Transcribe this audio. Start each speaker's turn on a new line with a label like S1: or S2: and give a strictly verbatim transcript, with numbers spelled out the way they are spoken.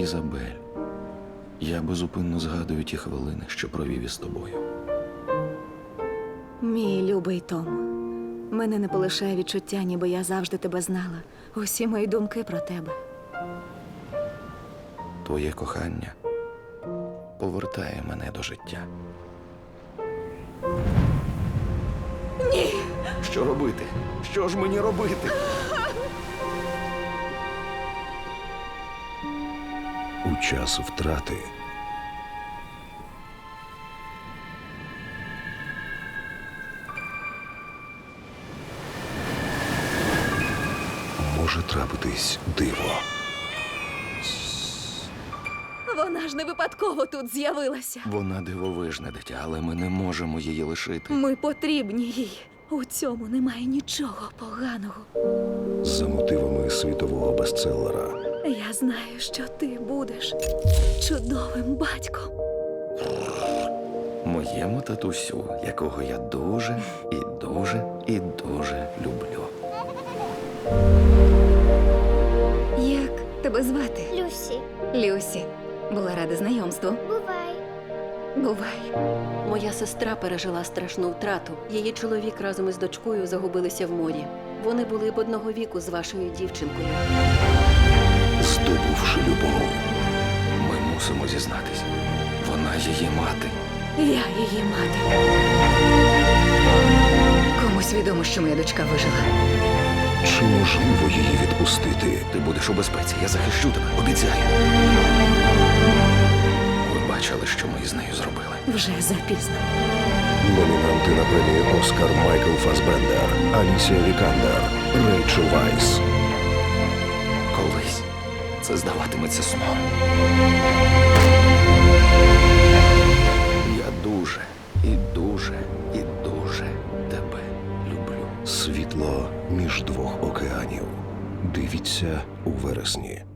S1: Ізабель, я безупинно згадую ті хвилини, що провів із тобою.
S2: Мій любий Том, мене не полишає відчуття, ніби я завжди тебе знала. Усі мої думки про тебе.
S1: Твоє кохання повертає мене до життя.
S2: Ні!
S1: Що робити? Що ж мені робити?
S3: У час втрати може трапитись диво.
S2: Вона ж не випадково тут з'явилася.
S1: Вона дивовижне дитя, але ми не можемо її лишити.
S2: Ми потрібні їй. У цьому немає нічого поганого.
S3: За мотивами світового бестселера
S2: Я знаю, що ти будеш чудовим батьком.
S1: Моєму татусю, якого я дуже і дуже і дуже люблю.
S2: Як тебе звати?
S4: Люсі,
S2: Люсі. Була рада знайомству.
S4: бувай.
S2: Бувай.
S5: Моя сестра пережила страшну втрату. Її чоловік разом із дочкою загубилися в морі. Вони були б одного віку з вашою дівчинкою.
S3: здобувши любов.
S1: Ми мусимо зізнатись. Вона її мати.
S2: Я її мати. Комусь відомо, що моя дочка вижила.
S3: Чи можливо її відпустити?
S1: Ти будеш у безпеці, я захищу тебе, обіцяю. Ви бачили, що ми із нею зробили.
S2: Вже запізно.
S3: Номінанти на премію Оскар Майкл Фасбендер, Алісія Вікандер, Рейчел Вайс.
S1: Колись це здаватиметься сном. Я дуже і дуже і дуже тебе люблю.
S3: Світло між двох океанів. Дивіться у вересні.